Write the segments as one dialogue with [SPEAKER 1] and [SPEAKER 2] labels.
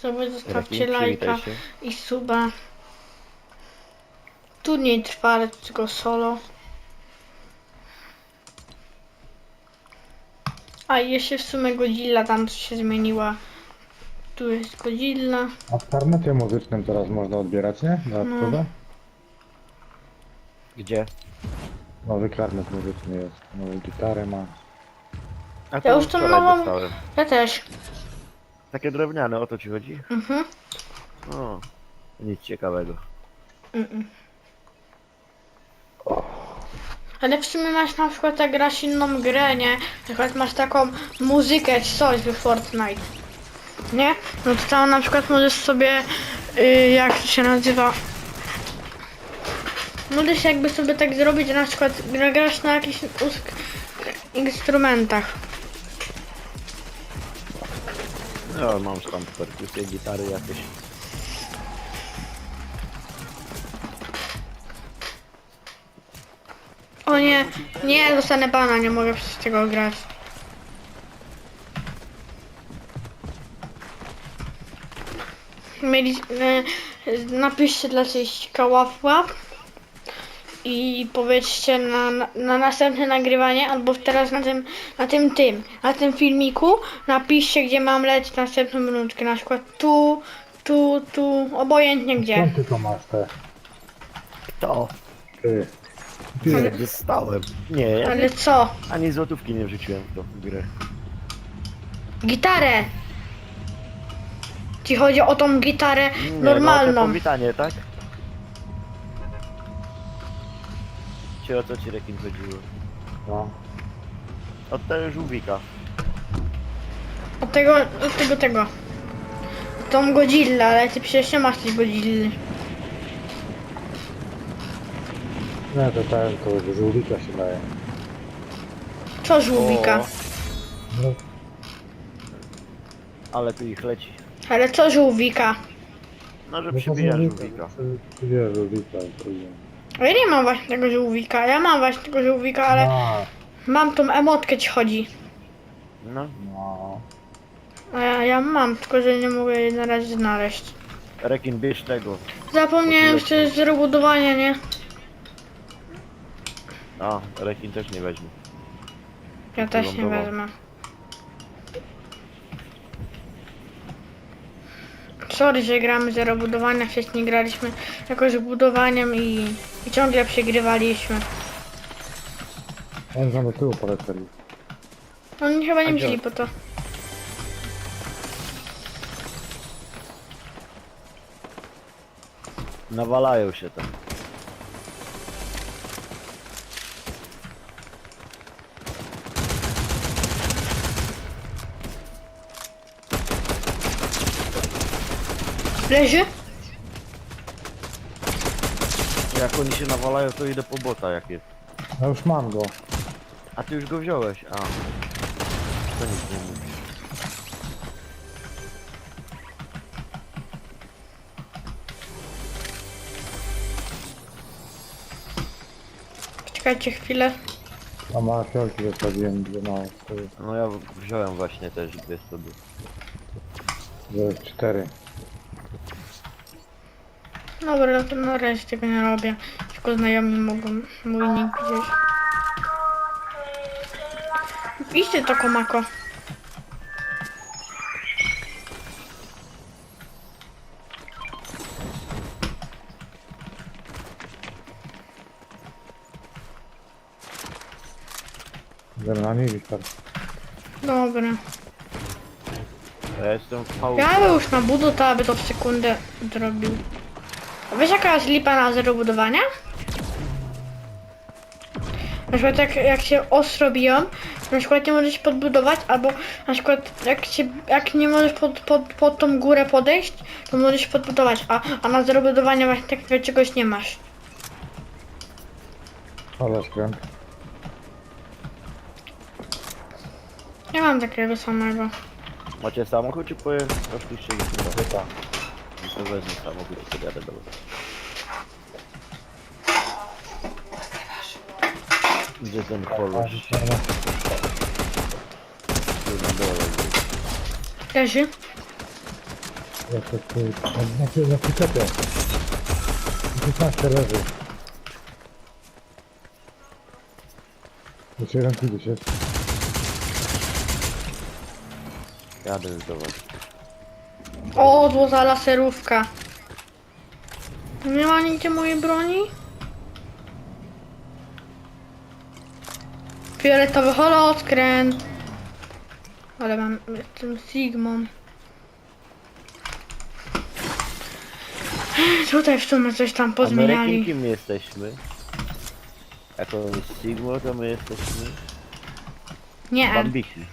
[SPEAKER 1] sobie zostawcie
[SPEAKER 2] Rekin,
[SPEAKER 1] lajka
[SPEAKER 2] przywitaj się.
[SPEAKER 1] i suba. Turniej trwa, ale tylko solo. A i jeszcze w sumie Godzilla tam się zmieniła. Tu jest Godzilla.
[SPEAKER 3] A w karnecie muzycznym teraz można odbierać, nie? Dodatkowe?
[SPEAKER 2] Gdzie?
[SPEAKER 3] Nowy karnet muzyczny jest. Nową gitarę ma.
[SPEAKER 2] A
[SPEAKER 1] Ja już tą
[SPEAKER 2] wczoraj
[SPEAKER 1] nową...
[SPEAKER 2] dostałem.
[SPEAKER 1] Ja też.
[SPEAKER 2] Takie drewniane, o to ci chodzi?
[SPEAKER 1] Mhm.
[SPEAKER 2] O, nic ciekawego.
[SPEAKER 1] Ale w sumie masz na przykład jak grasz inną grę, nie? Na przykład masz taką muzykę czy coś w Fortnite. Nie? No to tam na przykład możesz sobie, jak to się nazywa? Możesz jakby sobie tak zrobić, że na przykład grasz na jakichś instrumentach.
[SPEAKER 2] No, mam tam perkusję, gitary jakieś.
[SPEAKER 1] O nie, nie, dostanę bana, nie mogę przez tego grać. Mieli, napiszcie dla Cieśćka łap i powiedzcie na następne nagrywanie, albo teraz na tym filmiku napiszcie, gdzie mam lecieć następną minutkę, na przykład tu, obojętnie gdzie.
[SPEAKER 3] Skąd ty to masz te?
[SPEAKER 2] Kto?
[SPEAKER 3] Ty.
[SPEAKER 2] Nie dostałem. Nie, ja
[SPEAKER 1] Ale co?
[SPEAKER 2] ani złotówki nie wrzuciłem w tą grę.
[SPEAKER 1] Gitarę! Ci chodzi o tą gitarę
[SPEAKER 2] Nie,
[SPEAKER 1] normalną.
[SPEAKER 2] No, to powitanie, tak? Czy o co ci rekin chodziło?
[SPEAKER 3] No.
[SPEAKER 2] Od tego żółwika.
[SPEAKER 1] Od tego. Tą Godzilla, ale ty przecież nie masz tej Godzilly.
[SPEAKER 3] Nie, to do żółwika się daje.
[SPEAKER 1] Co żółwika?
[SPEAKER 2] O,
[SPEAKER 3] No,
[SPEAKER 2] ale tu ich leci.
[SPEAKER 1] Ale co żółwika?
[SPEAKER 2] No, że
[SPEAKER 3] no to
[SPEAKER 2] przybija
[SPEAKER 3] żółwika.
[SPEAKER 2] żółwika.
[SPEAKER 3] Przybija żółwika. Drugie.
[SPEAKER 1] A ja nie mam właśnie tego żółwika. Ja mam właśnie tego żółwika, ale
[SPEAKER 3] No,
[SPEAKER 1] mam tą emotkę ci chodzi.
[SPEAKER 2] No,
[SPEAKER 3] no.
[SPEAKER 1] A ja mam, tylko że nie mogę jej na razie znaleźć.
[SPEAKER 2] rekin bierz tego.
[SPEAKER 1] Zapomniałem jeszcze z rebudowania, nie?
[SPEAKER 2] A, rekin też nie weźmie.
[SPEAKER 1] Ja też nie
[SPEAKER 2] Wylądował.
[SPEAKER 1] wezmę. Sorry, że gramy zero budowania, wcześniej graliśmy jakoś budowaniem i ciągle przegrywaliśmy.
[SPEAKER 3] Oni tam do tyłu polecieli.
[SPEAKER 1] Oni chyba nie
[SPEAKER 2] A gdzie?
[SPEAKER 1] wzięli po to.
[SPEAKER 2] Nawalają się tam.
[SPEAKER 1] Leży?
[SPEAKER 2] Jak oni się nawalają, to idę po bota jak jest.
[SPEAKER 3] No już mam go.
[SPEAKER 2] A ty już go wziąłeś? A. To nic nie mówi.
[SPEAKER 1] Czekajcie chwilę.
[SPEAKER 3] A ma fiolki zostawiłem, gdzie ma
[SPEAKER 2] No ja wziąłem właśnie też dwie sobie.
[SPEAKER 3] 4.
[SPEAKER 1] Dobra, no to na razie tego nie robię. Tylko znajomi mogą mój nick widzieć. Idźcie to komako.
[SPEAKER 3] Na niej wystarczy.
[SPEAKER 1] Dobra.
[SPEAKER 2] Ja jestem w chałupie.
[SPEAKER 1] Ja bym już na budu, to aby to w sekundę zrobił. A wiesz jaka jest lipa na zero budowania? Na przykład jak się ostro biją, na przykład nie możesz podbudować, albo na przykład jak nie możesz pod tą górę podejść, to możesz podbudować, a na zero budowania właśnie takiego czegoś nie masz.
[SPEAKER 3] Ale skręt.
[SPEAKER 1] Nie mam takiego samego.
[SPEAKER 2] Macie samochód czy poszliście gdzieś na chyba? To wezmę samochód i sobie jadę do was. Gdzie ten kolosz? Tu na dole.
[SPEAKER 1] Leży?
[SPEAKER 3] Jeszcze tu, na przyczepie. 15 leży. Jeszcze jeden tu gdzieś jest.
[SPEAKER 2] Jadę już do was.
[SPEAKER 1] O, złota laserówka. Nie ma nigdzie mojej broni? Fioletowy holoskręt. Ale mam, jestem Sigmą. Tutaj w sumie coś tam
[SPEAKER 2] A my rekin
[SPEAKER 1] pozmieniali.
[SPEAKER 2] kim jesteśmy? Jako Sigma to my jesteśmy
[SPEAKER 1] Nie,
[SPEAKER 2] Bambiki.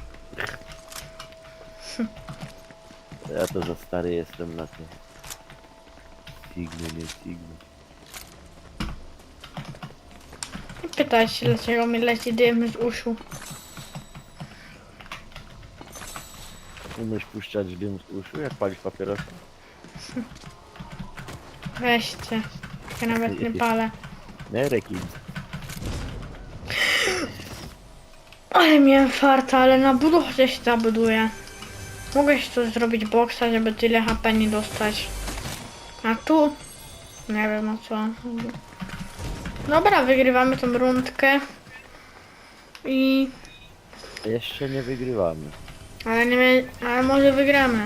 [SPEAKER 2] Ja to za stary jestem na to. Sigmy, nie Sigmy.
[SPEAKER 1] nie pytaj się dlaczego mi leci dym z uszu.
[SPEAKER 2] Umiesz puszczać dym z uszu, jak palisz papierosa?
[SPEAKER 1] Weźcie. Ja nawet nie palę.
[SPEAKER 2] Nie, rekin.
[SPEAKER 1] Ale miałem farta, ale na budowę się zabuduje. Mogę się tu zrobić boksa, żeby tyle HP nie dostać. A tu? Nie wiem o co. Dobra, wygrywamy tą rundkę. I...
[SPEAKER 2] Jeszcze nie wygrywamy.
[SPEAKER 1] Ale nie ale może wygramy.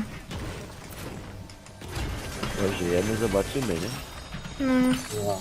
[SPEAKER 2] No, żyjemy, zobaczymy, nie?
[SPEAKER 1] No.
[SPEAKER 3] No.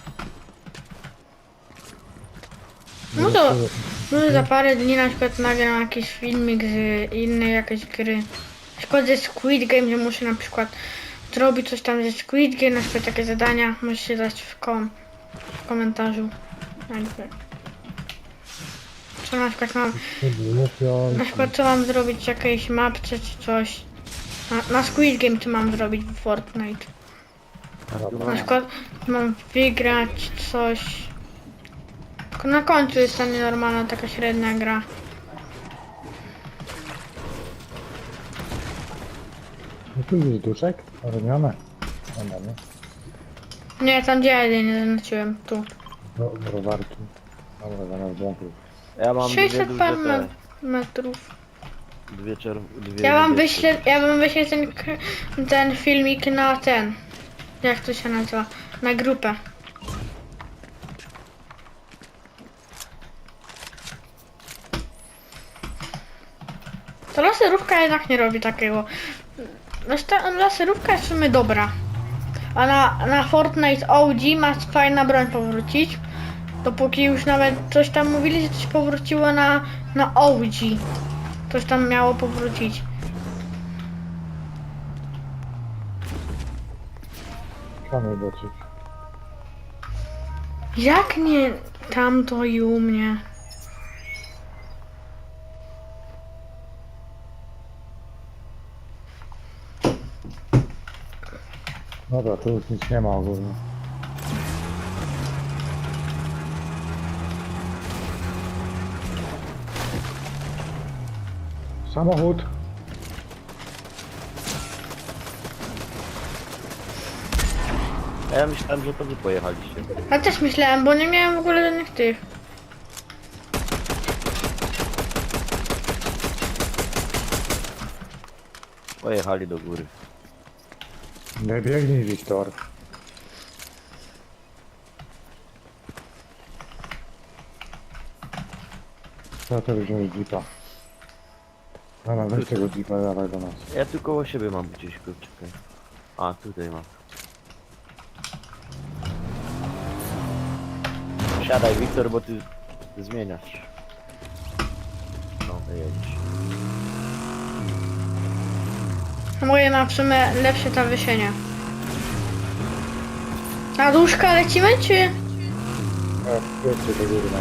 [SPEAKER 1] No to może za parę dni na przykład nagram jakiś filmik z innej jakiejś gry. Na przykład ze Squid Game, że muszę na przykład zrobić coś tam ze Squid Game, na przykład takie zadania, musicie dać w komentarzu. Jakby. Co na przykład mam, na przykład co mam zrobić w jakiejś mapce czy coś. Na Squid Game co mam zrobić w Fortnite. Na przykład mam wygrać coś. Tylko na końcu jest ta nienormalna, taka średnia gra.
[SPEAKER 3] No tu jest duszek, robione. No, nie.
[SPEAKER 1] Nie, tam gdzie ja nie zaznaczyłem, tu.
[SPEAKER 3] Browarki. Dobra, zaraz włączę.
[SPEAKER 2] Ja mam
[SPEAKER 1] 600
[SPEAKER 2] dwie
[SPEAKER 1] par
[SPEAKER 2] duże te,
[SPEAKER 1] metrów.
[SPEAKER 2] dwie
[SPEAKER 1] Ja wam
[SPEAKER 2] niebieskie.
[SPEAKER 1] wyślę ten filmik na ten. Jak to się nazywa? Na grupę. To laserówka jednak nie robi takiego. Znaczy ta laserówka jest w sumie dobra. A na Fortnite OG ma fajna broń powrócić. Dopóki już nawet coś tam mówili, że coś powróciło na OG. Coś tam miało powrócić.
[SPEAKER 3] Kamer dotrzeć.
[SPEAKER 1] Jak nie tamto i u mnie?
[SPEAKER 3] Dobra, tu już nic nie ma ogólnie. Samochód.
[SPEAKER 2] A ja myślałem, że to wy pojechaliście.
[SPEAKER 1] Ja też myślałem, bo nie miałem w ogóle żadnych tych.
[SPEAKER 2] Pojechali do góry.
[SPEAKER 3] Nie biegnij, Wiktor. Co to wziąłeś jeepa? Dobra, weź tego jeepa, dawaj do nas.
[SPEAKER 2] Ja tu koło siebie mam gdzieś, czekaj. A, tutaj mam. Siadaj, Wiktor, bo ty zmieniasz. No, jedź.
[SPEAKER 1] Moje na w sumie lepsze ta wysienia. Na duszka lecimy, czy?
[SPEAKER 3] Jedźcie do góry na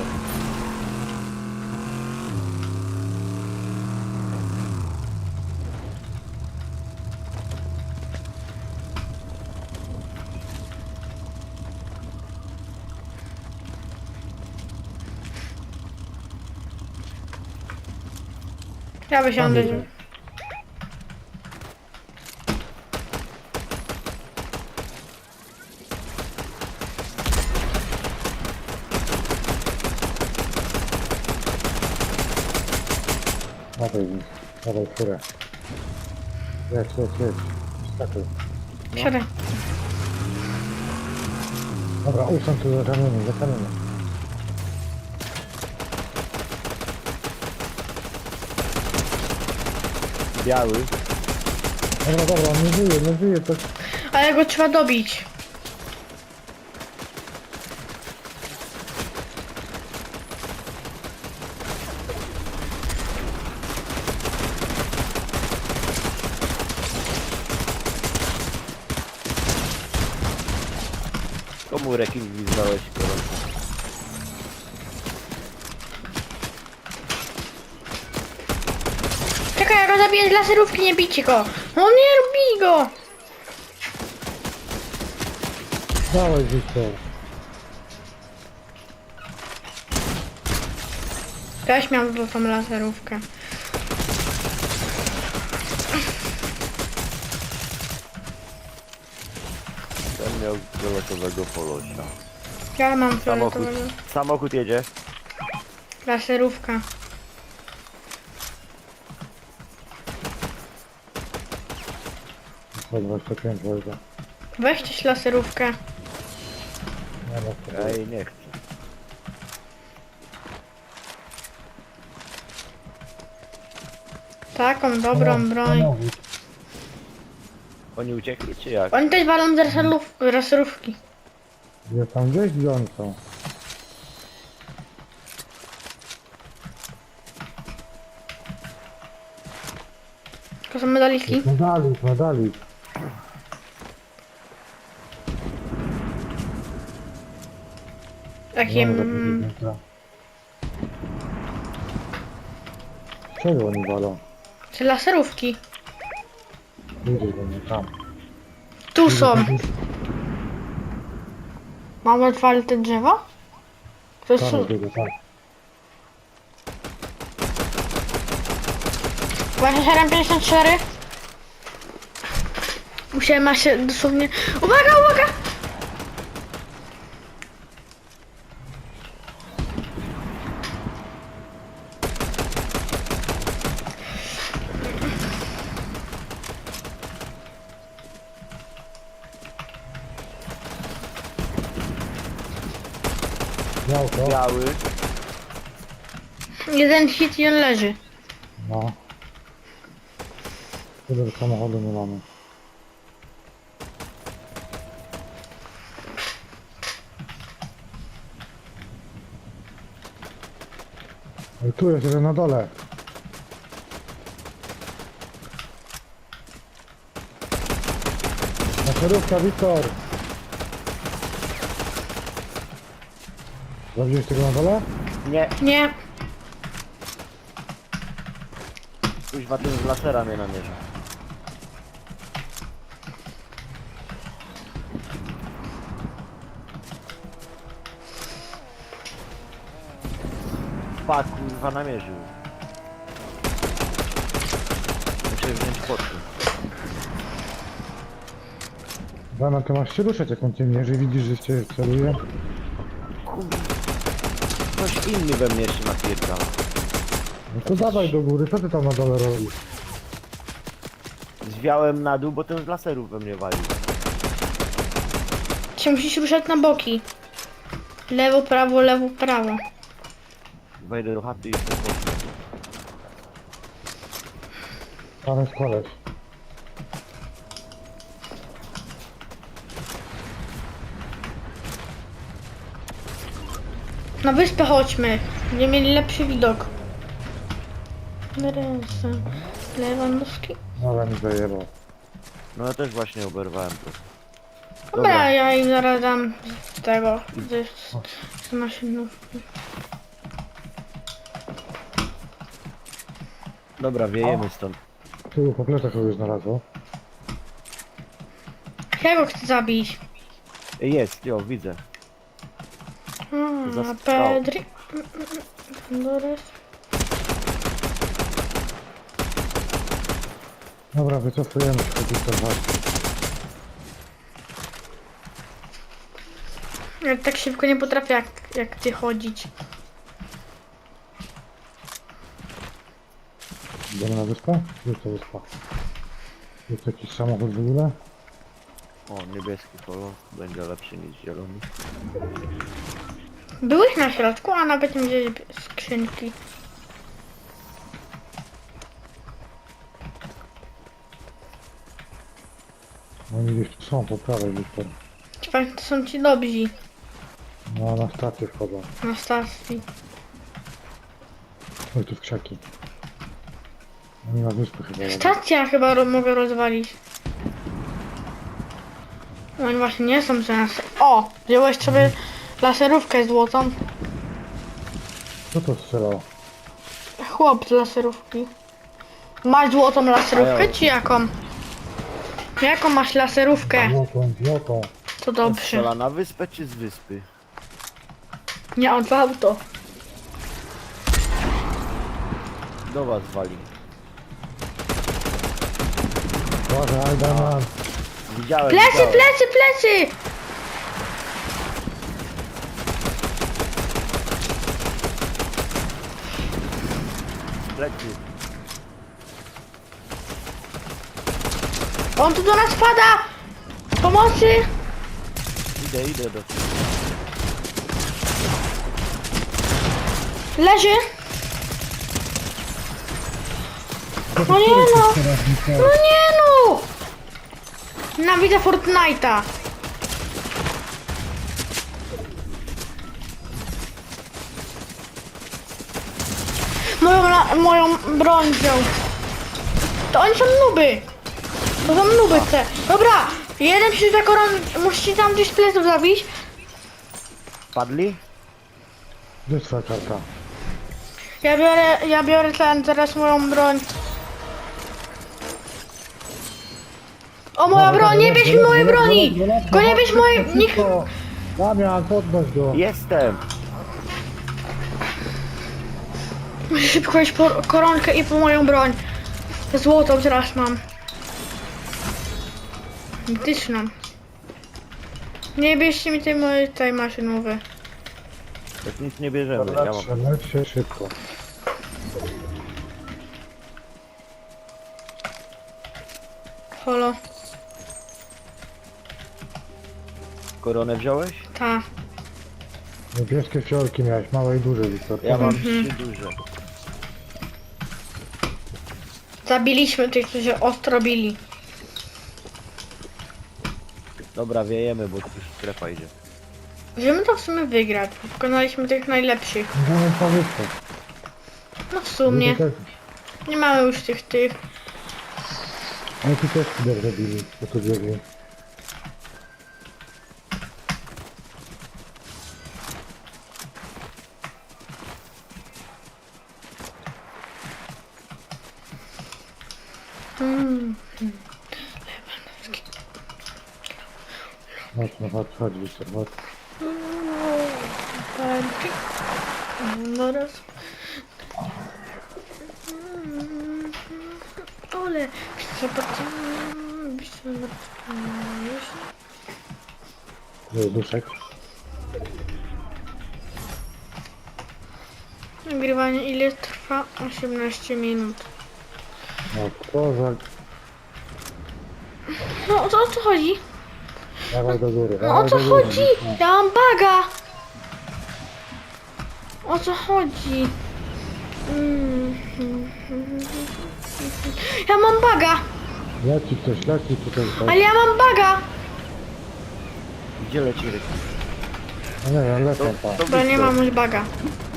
[SPEAKER 1] Ja wysiądę.
[SPEAKER 3] Tam dawaj, dawaj furę. Jedź. Skakuj.
[SPEAKER 1] Siadaj.
[SPEAKER 3] Dobra, usiądź tu za kamieniem.
[SPEAKER 2] Biały.
[SPEAKER 3] Dobra, on nie żyje, to...
[SPEAKER 1] Ale go trzeba dobić.
[SPEAKER 2] Komu rekin gwizdałeś gorąco?
[SPEAKER 1] Czekaj, ja go zabiję z laserówki, nie bijcie go. O nie, bij go.
[SPEAKER 3] Dawaj, Wiktor.
[SPEAKER 1] Też miałem tą laserówkę.
[SPEAKER 2] Ten miał fioletowego polosia.
[SPEAKER 1] Ja mam
[SPEAKER 2] Samochód.
[SPEAKER 1] fioletowego.
[SPEAKER 2] Samochód jedzie.
[SPEAKER 1] Laserówka.
[SPEAKER 3] Po 25 wojska.
[SPEAKER 1] Weź też laserówkę.
[SPEAKER 3] Nie ma co.
[SPEAKER 2] Ej, nie chcę.
[SPEAKER 1] Taką dobrą broń.
[SPEAKER 2] Oni uciekli czy jak?
[SPEAKER 1] Oni też walą z laserówki.
[SPEAKER 3] Gdzie tam gdzieś gdzie oni są?
[SPEAKER 1] To są medaliki.
[SPEAKER 3] Medali.
[SPEAKER 1] Takim...
[SPEAKER 3] Czego oni walą?
[SPEAKER 1] Te laserówki.
[SPEAKER 3] Idzie do mnie tam.
[SPEAKER 1] Tu są. Mamy otwarte drzewo? To jest...
[SPEAKER 3] Tam idzie, tam.
[SPEAKER 1] Właśnie 754. Musiałem się dosłownie... Uwaga!
[SPEAKER 3] Miał to?
[SPEAKER 2] Biały.
[SPEAKER 1] Jeden hit i on leży.
[SPEAKER 3] No. Tyle samochodu nie mamy. Ej, tu jest jeden na dole. Laserówka, Wiktor! Zabiłeś tego na dole?
[SPEAKER 2] Nie.
[SPEAKER 1] Nie.
[SPEAKER 2] Kuźwa, ten z lasera mnie namierza. Fuck, kurwa, namierzył. Muszę wziąć poty.
[SPEAKER 3] Dana, ty masz się ruszać jak on cię mierzy, widzisz, że cię celuje?
[SPEAKER 2] Kurwa. Ktoś inny we mnie jeszcze napierdala.
[SPEAKER 3] No to dawaj do góry, co ty tam na dole robisz?
[SPEAKER 2] Zwiałem na dół, bo ten z laserów we mnie walił.
[SPEAKER 1] Się musisz ruszać na boki. Lewo, prawo.
[SPEAKER 2] Wejdę do chaty i jestem poty.
[SPEAKER 3] Tam jest koleś.
[SPEAKER 1] Na wyspę chodźmy. Będziemy mieli lepszy widok. Ręce. Lewandowski.
[SPEAKER 3] Ale mi zajebał.
[SPEAKER 2] No ja też właśnie oberwałem to.
[SPEAKER 1] Dobra, ja im zaraz dam z tego. Z maszynówki.
[SPEAKER 2] Dobra, wiejemy stąd.
[SPEAKER 3] Tu po plecach kogoś znalazło.
[SPEAKER 1] Ja go chcę zabić.
[SPEAKER 2] Jest, jo, widzę. Za strzał.
[SPEAKER 1] Pedri. Dores.
[SPEAKER 3] Dobra, wycofujemy się do tych walki.
[SPEAKER 1] Ja tak szybko nie potrafię jak ty chodzić.
[SPEAKER 3] Idziemy na wyspę? Gdzie to wyspa? Jest jakiś samochód w ogóle?
[SPEAKER 2] O, niebieski kolor. Będzie lepszy niż zielony.
[SPEAKER 1] Byłeś na środku, a nawet nie widziałeś skrzynki.
[SPEAKER 3] Oni gdzieś tu są, po prawej Wiktor.
[SPEAKER 1] Ciekawe, to są ci dobrzy
[SPEAKER 3] No, na stację wchodzą.
[SPEAKER 1] na stacji.
[SPEAKER 3] Oj, tu w krzaki. Oni na wyspę chyba jadą.
[SPEAKER 1] Stacja chyba mogę rozwalić. No i właśnie nie są za nas. O! Wziąłeś sobie laserówkę złotą.
[SPEAKER 3] Co to strzelało?
[SPEAKER 1] Chłop z laserówki. Masz złotą laserówkę czy jaką? Jaką masz laserówkę?
[SPEAKER 3] Złotą.
[SPEAKER 1] To dobrze.
[SPEAKER 2] Strzela na wyspę czy z wyspy?
[SPEAKER 1] Nie od auto.
[SPEAKER 2] Do was wali.
[SPEAKER 3] Uważaj, Damian.
[SPEAKER 2] Widziałem,
[SPEAKER 1] Plecy,
[SPEAKER 2] widziałem.
[SPEAKER 1] plecy, plecy!
[SPEAKER 2] Plecy.
[SPEAKER 1] On tu do nas pada! Pomocy!
[SPEAKER 2] Idę do ciebie.
[SPEAKER 1] Leży! No nie no! No nie no! Nienawidzę Fortnite'a! Moją broń wziął. To oni są nuby! To są nuby te. Dobra! Jeden przyjdzie koron... Musicie tam gdzieś z pleców zabić.
[SPEAKER 2] Padli?
[SPEAKER 3] Gdzie jest twoja karta?
[SPEAKER 1] Ja biorę teraz moją broń. O, moja broń! Nie bierz mi mojej broni! Tylko nie bierz mojej... Nikt...
[SPEAKER 3] Damian, podnoś go.
[SPEAKER 2] Jestem!
[SPEAKER 1] Muszę szybko iść po koronkę i po moją broń. Złotą teraz mam. Mityczną. Nie bierzcie mi tej mojej maszynowej.
[SPEAKER 2] Jak nic nie bierzemy,
[SPEAKER 3] Dobra,
[SPEAKER 2] ja mam.
[SPEAKER 3] strzelać się szybko.
[SPEAKER 1] Holo.
[SPEAKER 2] Koronę wziąłeś?
[SPEAKER 1] Ta.
[SPEAKER 3] Niebieskie fiolki miałeś, małe i duże, Wiktor.
[SPEAKER 2] Ja mam 3 duże.
[SPEAKER 1] Zabiliśmy tych, którzy się ostro bili.
[SPEAKER 2] Dobra, wiejemy, bo tu strefa idzie.
[SPEAKER 1] Możemy to w sumie wygrać. Bo pokonaliśmy tych najlepszych.
[SPEAKER 3] Możemy po wyspę.
[SPEAKER 1] No w sumie. Nie mamy już tych.
[SPEAKER 3] Oni tu też dobrze bili, bo tu biegli. Mocno, chodź, Wiktor, chodź.
[SPEAKER 1] No raz. Ole.
[SPEAKER 3] Jest duszek.
[SPEAKER 1] Nagrywanie ile trwa? 18 minut.
[SPEAKER 3] No, kozak.
[SPEAKER 1] No o co chodzi?
[SPEAKER 3] Dawaj do góry.
[SPEAKER 1] No o
[SPEAKER 3] dawaj
[SPEAKER 1] co
[SPEAKER 3] do góry.
[SPEAKER 1] chodzi? Ja mam baga! O co chodzi? Ja mam baga!
[SPEAKER 3] Leci ktoś, leci tutaj.
[SPEAKER 1] Ale ja mam baga!
[SPEAKER 2] Gdzie leci ryk?
[SPEAKER 3] No nie wiem, lecą tam.
[SPEAKER 1] Bo nie mam już baga.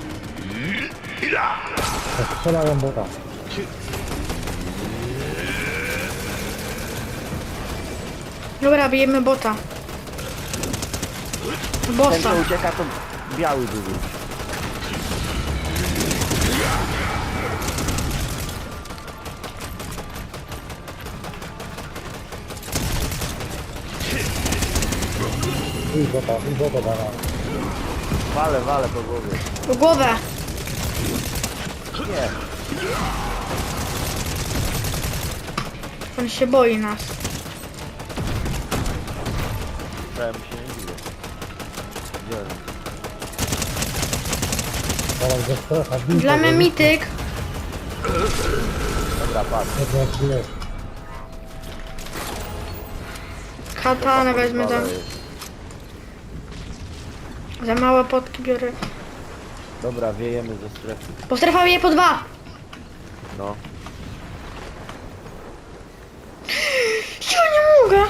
[SPEAKER 3] Strzelają bota.
[SPEAKER 1] Dobra, bijemy bota.
[SPEAKER 2] Ten
[SPEAKER 1] Bossa.
[SPEAKER 2] co ucieka to biały duży.
[SPEAKER 3] I bota dana.
[SPEAKER 2] Wale po głowie.
[SPEAKER 1] W głowę.
[SPEAKER 2] Nie.
[SPEAKER 1] On się boi nas.
[SPEAKER 2] Wcale mi się nie dziwię. Gdzie on?
[SPEAKER 3] Teraz go strefa, bij
[SPEAKER 1] Dla
[SPEAKER 3] go,
[SPEAKER 1] mnie
[SPEAKER 3] bij.
[SPEAKER 1] mityk.
[SPEAKER 2] Dobra, patrz.
[SPEAKER 3] Dobra, jest.
[SPEAKER 1] Katanę wezmę tam. Za małe potki biorę.
[SPEAKER 2] Dobra, wiejemy ze strefy.
[SPEAKER 1] Bo strefa bije po 2.
[SPEAKER 2] No.
[SPEAKER 1] Ja nie mogę.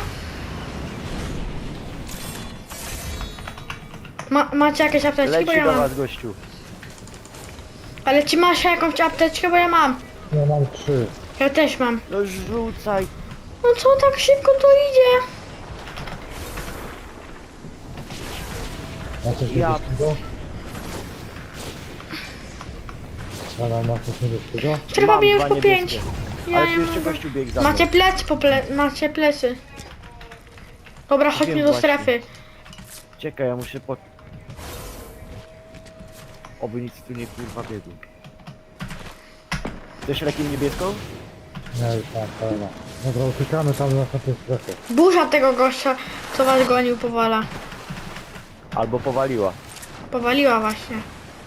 [SPEAKER 1] Macie jakieś apteczki? Bo
[SPEAKER 2] Leci
[SPEAKER 1] ja
[SPEAKER 2] do
[SPEAKER 1] mam.
[SPEAKER 2] was, gościu.
[SPEAKER 1] Ale ci masz jakąś apteczkę? Bo ja mam.
[SPEAKER 3] Ja mam 3.
[SPEAKER 1] Ja też mam.
[SPEAKER 2] No rzucaj.
[SPEAKER 1] No co tak szybko to idzie?
[SPEAKER 3] Ma coś
[SPEAKER 2] Ja-
[SPEAKER 3] niebieskiego? Rana, ma coś niebieskiego?
[SPEAKER 1] Strefa
[SPEAKER 2] Mam
[SPEAKER 1] bije już
[SPEAKER 2] dwa
[SPEAKER 1] po 5.
[SPEAKER 2] niebieskie.
[SPEAKER 1] Ja
[SPEAKER 2] Ale
[SPEAKER 1] nie
[SPEAKER 2] tu jeszcze
[SPEAKER 1] mogę.
[SPEAKER 2] gościu biegł za mną.
[SPEAKER 1] Macie plecy macie plecy. Dobra, chodźmy
[SPEAKER 2] Wiem
[SPEAKER 1] do
[SPEAKER 2] właśnie.
[SPEAKER 1] strefy.
[SPEAKER 2] Czekaj, ja muszę po... Oby nic tu nie kurwa biegł. Chcesz rekin niebieską?
[SPEAKER 3] Nie, już mam, pełno. Dobra, uciekamy tam na tej strefie.
[SPEAKER 1] Burza tego gościa, co was gonił, powala.
[SPEAKER 2] Albo powaliła.
[SPEAKER 1] Powaliła właśnie.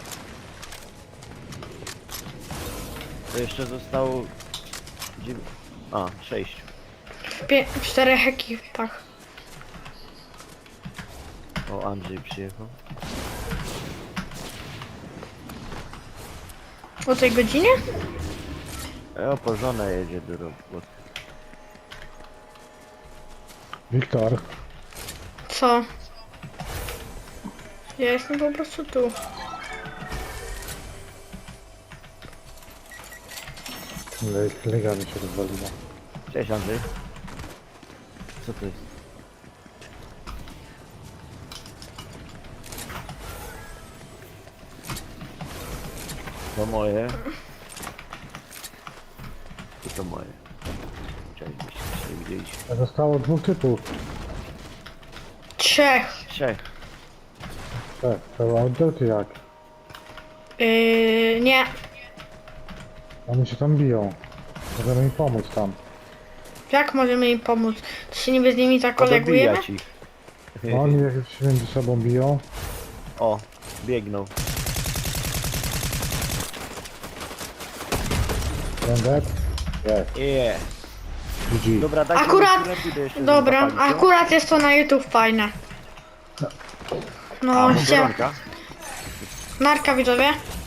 [SPEAKER 2] To jeszcze zostało... 6.
[SPEAKER 1] W 4 ekipach.
[SPEAKER 2] O, Andrzej przyjechał.
[SPEAKER 1] O tej godzinie?
[SPEAKER 2] O, po żonę jedzie do roboty.
[SPEAKER 3] Wiktor,
[SPEAKER 1] Co? Ja jestem po prostu tu.
[SPEAKER 3] lega mi się rozwaliła.
[SPEAKER 2] Cześć, Andrzej. Co to jest? To moje. I to moje. Cześć, byście się widzieliśmy.
[SPEAKER 3] Zostało 2 typów.
[SPEAKER 1] 3.
[SPEAKER 2] 3.
[SPEAKER 3] Tak, to outdoor czy jak?
[SPEAKER 1] Nie.
[SPEAKER 3] Oni się tam biją. Możemy im pomóc tam.
[SPEAKER 1] Jak możemy im pomóc? To się niby z nimi zakolegujemy?
[SPEAKER 2] Podobijać ich.
[SPEAKER 3] Oni jak się między sobą biją.
[SPEAKER 2] O, biegną.
[SPEAKER 3] Będę? Jest.
[SPEAKER 2] Yeah.
[SPEAKER 3] GG.
[SPEAKER 2] Dobra, dajcie
[SPEAKER 1] Akurat-
[SPEAKER 2] mi lepiej, to jeszcze
[SPEAKER 1] Dobra,
[SPEAKER 2] zapalić, no.
[SPEAKER 1] akurat jest to na YouTube fajne.
[SPEAKER 2] A,
[SPEAKER 1] No, się.
[SPEAKER 2] Bożonka.
[SPEAKER 1] Narka widzowie.